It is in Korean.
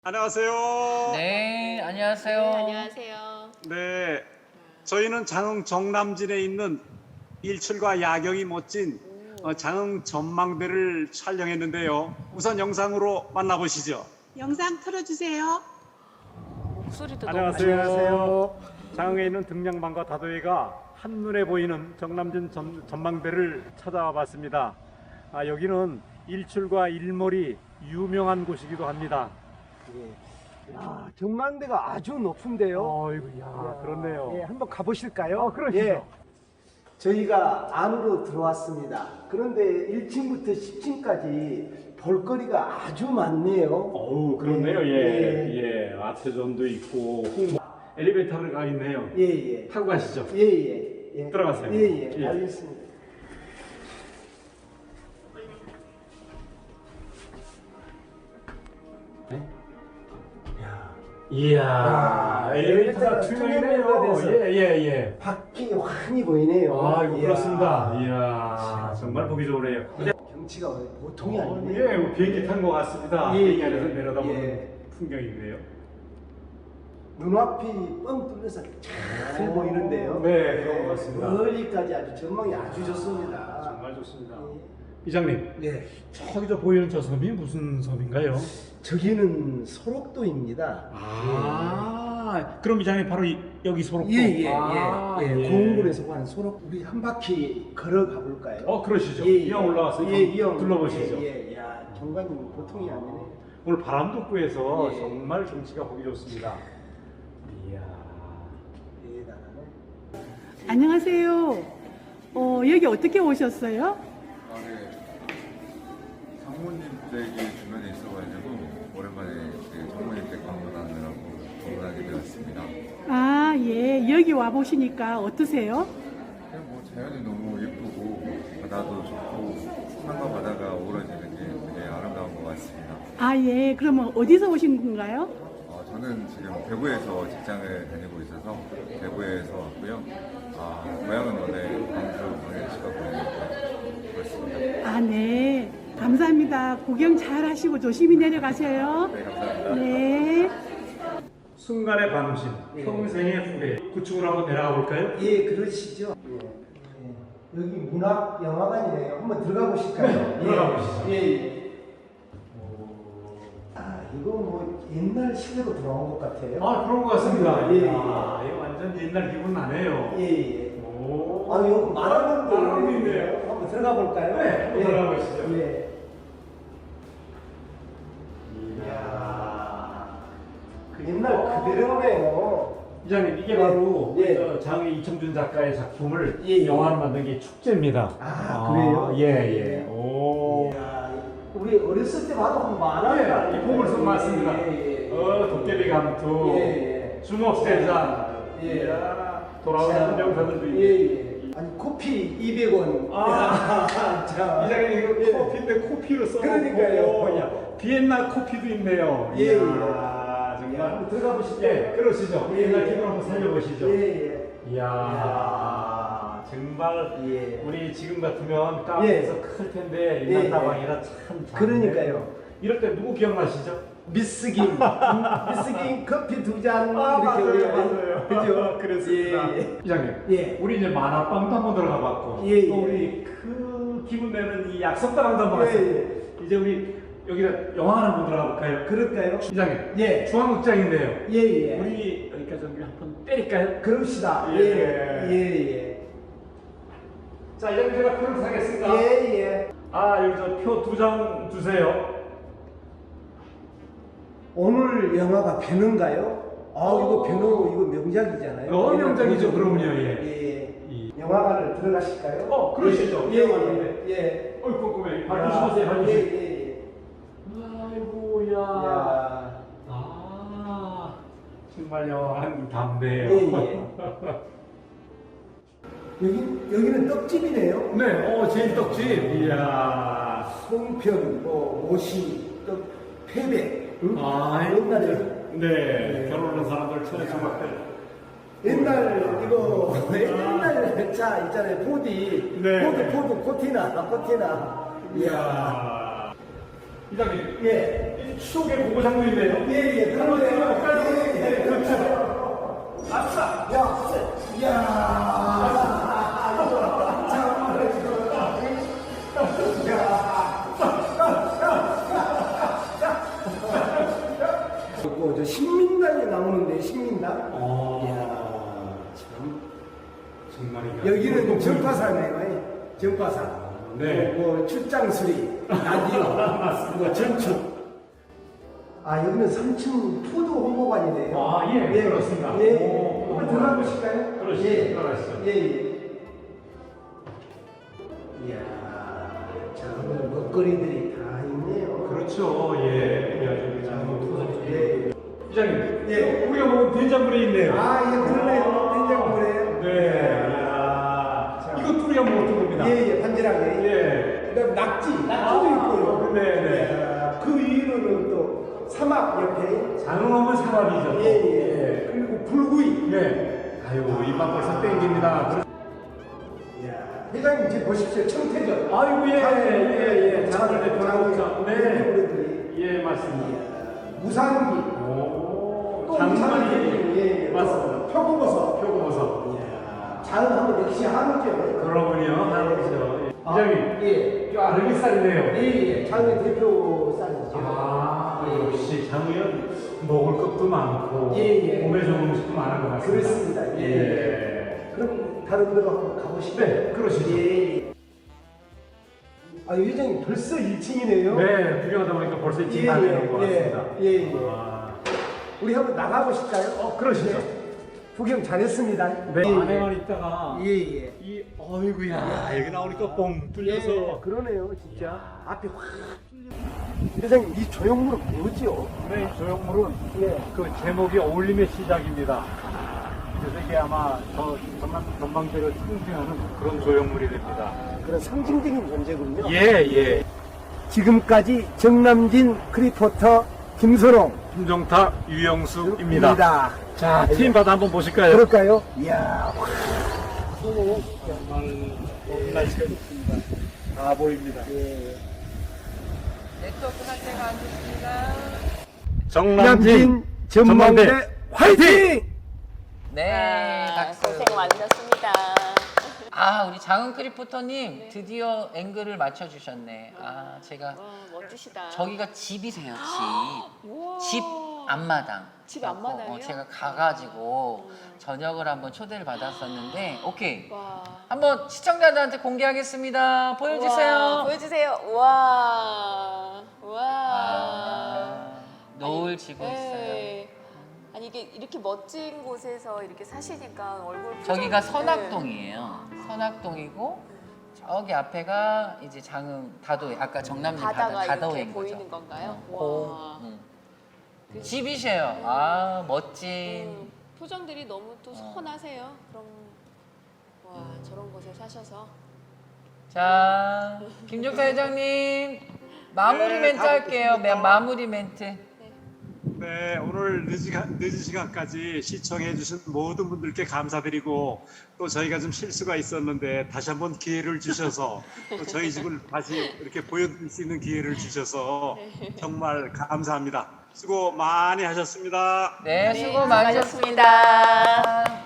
안녕하세요. 네, 안녕하세요. 네, 안녕하세요. 네, 저희는 장흥 정남진에 있는 일출과 야경이 멋진 장흥 전망대를 촬영했는데요. 우선 영상으로 만나보시죠. 영상 틀어주세요. 목소리도 안녕하세요. 장흥에 있는 등량반과 다도해가 한눈에 보이는 정남진 전망대를 찾아와 봤습니다. 여기는 일출과 일몰이 유명한 곳이기도 합니다. 야, 전망대가 아주 높은데요. 아이고, 야, 그렇네요. 예, 한번 가보실까요? 그러시죠. 저희가 안으로 들어왔습니다. 그런데 1층부터 10층까지 볼거리가 아주 많네요. 어우, 그렇네요. 예. 아트존도 있고, 엘리베이터를 가 있네요. 예. 타고 가시죠. 예. 들어가세요. 예. 예. 알겠습니다. 이야, 엘리베이터가 투명이네요. 돼서 예. 밖이 환히 보이네요. 아이고, 이야. 그렇습니다. 이야, 정말 보기 좋으네요. 경치가 보통이 아니네요. 예, 비행기 탄 것 같습니다. 예, 비행기 안에서 예. 내려다보는 예. 풍경인데요. 눈앞이 뻥 뚫려서 잘 보이는데요. 네, 그런 것 같습니다. 멀리까지 아주 전망이 아주 좋습니다. 정말 좋습니다. 이장님, 예. 저기 저 보이는 저 섬이 무슨 섬인가요? 저기는 소록도입니다. 그럼 이장님 바로 여기 소록도? 예. 고흥군에서 구한 소록. 우리 한 바퀴 걸어가 볼까요? 그러시죠. 예, 이왕 올라와서 이왕 둘러보시죠. 야, 정관님 보통이 아니네. 오늘 바람도 없고 해서 예. 정말 경치가 보기 좋습니다. 이야. 대단하네. 안녕하세요. 여기 어떻게 오셨어요? 네. 장모님 댁이 주변에 있어가지고 오랜만에 장모님 댁 방문하느라고 방문하게 되었습니다. 아, 예. 여기 와 보시니까 어떠세요? 그냥 뭐 자연이 너무 예쁘고 바다도 좋고 산과 바다가 어우러지는 게 되게 아름다운 것 같습니다. 아, 예. 그러면 어디서 오신 건가요? 저는 지금 대구에서 직장을 다니고 있어서 대구에서 왔고요. 고향은 원래 광주 광양시가 보이니까 그렇습니다. 아, 네. 감사합니다. 구경 잘 하시고 조심히 내려가세요. 네, 감사합니다. 네. 순간의 반심, 평생의 후회. 구축으로 한번 내려가 볼까요? 예, 그러시죠. 여기 문학 영화관이네요. 한번 들어가 보실까요? 들어가 보시죠. 예. 이거 뭐 옛날 시대로 돌아온 것 같아요. 그런 것 같습니다. 예. 이거 완전 옛날 기분 나네요. 예. 오. 여기 말하는 말하는 게 있네요. 한번 들어가 볼까요? 네, 한번 들어가 보시죠. 예. 이야. 옛날 그대로네요. 이장님, 이게 예. 바로 예. 장의 이청준 작가의 작품을 예. 영화로 만든 게 축제입니다. 그래요? 예. 오. 이야, 우리 어렸을 때 봐도 만화가 이 보물섬 맞습니다. 도깨비 감투, 주먹세자, 예. 돌아오는 한병사들도 있고. 예. 아니 코피 200원. 자. 이장님 이거 예. 코피인데 코피로 써놓고 그러니까요. 비엔나 코피도 있네요. 예. 정말 한번 들어가 보시죠. 예, 그러시죠. 예. 옛날 기분 한번 살려보시죠. 예. 이야, 정말 예. 우리 지금 같으면 카페에서 클 텐데 옛날 예. 다방이라 참 작네. 그러니까요. 이럴 때 누구 기억나시죠? 미스김 커피 2잔 이렇게 맞아요. 그죠? 그랬습니다. 예. 이장님, 예. 우리 이제 만화방도 한번 들어가 봤고, 예, 또 예. 우리 그 기분 내는 이 약속다방도 한번 예, 갔어요. 이제 우리 여기다 영화 한번 들어가 볼까요? 그럴까요? 이장님, 예. 중앙극장인데요. 예. 우리 여기까지 한번 때릴까요? 그럽시다. 예. 예. 자, 이장님 제가 표를 사겠습니다. 예. 여기 저 표 2장 주세요. 오늘 영화가 변호인가요? 이거 변호 이거 명작이잖아요. 명작이죠. 그럼요. 예. 영화관을 들어가실까요? 그러시죠. 예. 어이, 궁금해. 조심하세요. 조심하세요. 예. 아이고야. 야. 정말 영화는 담대해요. 예. 여기는 떡집이네요. 네, 제일 떡집. 이야. 송편, 오시, 떡, 패백. 옛날에. 네, 네. 결혼한 사람들 천에 조각들. 옛날 이거 옛날 차 있잖아요. 포디. 네. 포드 코티나. 이야. 이장님. 예. 이 추억의 고고장도 있네요. 예, 그러네요. 예, 그렇죠. 아싸! 그리고 저 신민당이 나오는데 신민당. 어. 이야, 참. 정말이야. 여기는 전파사네요. 전파사. 네. 뭐 출장수리, 라디오, 뭐 전축. 아 여기는 3층 푸드 홍보관이네요. 아, 예, 그렇습니다. 예, 오, 한번 들어가 보실까요? 그러시죠. 예, 들어가시죠. 예, 예. 이야, 자, 오늘 먹거리들이 다 있네요. 그렇죠. 예. 아주 장 예. 부장님. 예. 우리가 먹은 된장물이 있네요. 아, 예, 그러네요. 된장물에. 네. 이야. 자. 이것도 우리가 먹었던 겁니다. 예, 예, 반지락에. 예. 그다음 낙지도 있고요. 네, 네. 이야, 그 위로는 또 삼합 옆에. 장어하면 사람이죠. 예, 예. 그리고 불구이. 네. 아유, 입맛 벌써 땡깁니다. 이야, 회장님 지금 보십시오. 청태전. 아이고, 예. 장을 대표하고 장. 네. 네. 예, 맞습니다. 무산기. 오, 또 장만이. 무산기. 예, 예. 맞습니다. 표고버섯. 표고버섯. 이야, 장하면 역시 한우죠. 그러군요. 한우죠. 예. 아, 부장님. 예. 이 아르기살이네요. 예, 예. 장의 대표 쌀이죠. 아, 예. 역시 장우연 먹을 것도 많고 예, 예. 몸에 좋은 음식도 많은 것 같습니다. 그렇습니다. 예. 그럼 다른 데로 한번 가보시죠. 네, 그러시죠. 예. 아, 회장님 벌써 1층이네요. 네, 구경하다 보니까 벌써 이쯤 다 되는 것 같습니다. 예. 아, 우리 한번 나가보실까요? 그러시죠. 구경 잘했습니다. 네. 예, 안에만 있다가 예, 예. 이 어이구야 여기 나오니까 뻥 뚫려서 예, 그러네요, 진짜. 앞에 확 뚫려. 회장님, 이 조형물은 뭐죠? 네, 이 조형물은 예. 그 제목이 어울림의 시작입니다. 그래서 이게 아마 저 전망대를 상징하는 그런 조형물이 됩니다. 그런 상징적인 존재군요. 예. 지금까지 정남진 크리포터 김선홍 김종탁, 유영수입니다. 입니다. 자, 팀 바다 한번 보실까요? 그럴까요? 이야, 정말 좋은 날씨가 좋습니다. 다 보입니다. 네트워크 상태가 안 좋습니다. 정남진 전망대 화이팅! 네, 박수. 고생 많으셨습니다. 아, 우리 장은 크리포터님 드디어 앵글을 맞춰주셨네. 아, 제가 와, 멋지시다. 저기가 집이세요, 우와. 집. 집 앞마당. 집 앞마당이요? 제가 가가지고 저녁을 한번 초대를 받았었는데, 오케이. 와. 한번 시청자들한테 공개하겠습니다. 보여주세요. 우와, 보여주세요. 와. 와. 아, 노을 지고 있어요. 네. 아니 이게 이렇게 멋진 곳에서 이렇게 사시니까 얼굴 표정이- 저기가 네. 선악동이에요. 선악동이고 저기 앞에가 이제 장흥 다도해. 아까 정남진 바다가 이렇게 다도해인 거죠. 보이는 건가요? 고. 와. 그- 집이세요. 아, 멋진. 표정들이 너무 또 선하세요. 그럼 와 저런 곳에 사셔서 자, 김종타 회장님 마무리 네, 멘트 다 할게요. 듣겠습니다. 마무리 멘트. 네, 오늘 늦은 시간까지 시청해주신 모든 분들께 감사드리고 또 저희가 좀 실수가 있었는데 다시 한번 기회를 주셔서 또 저희 집을 다시 이렇게 보여드릴 수 있는 기회를 주셔서 정말 감사합니다. 수고 많이 하셨습니다. 네, 네, 수고 많으셨습니다. 수고하셨습니다.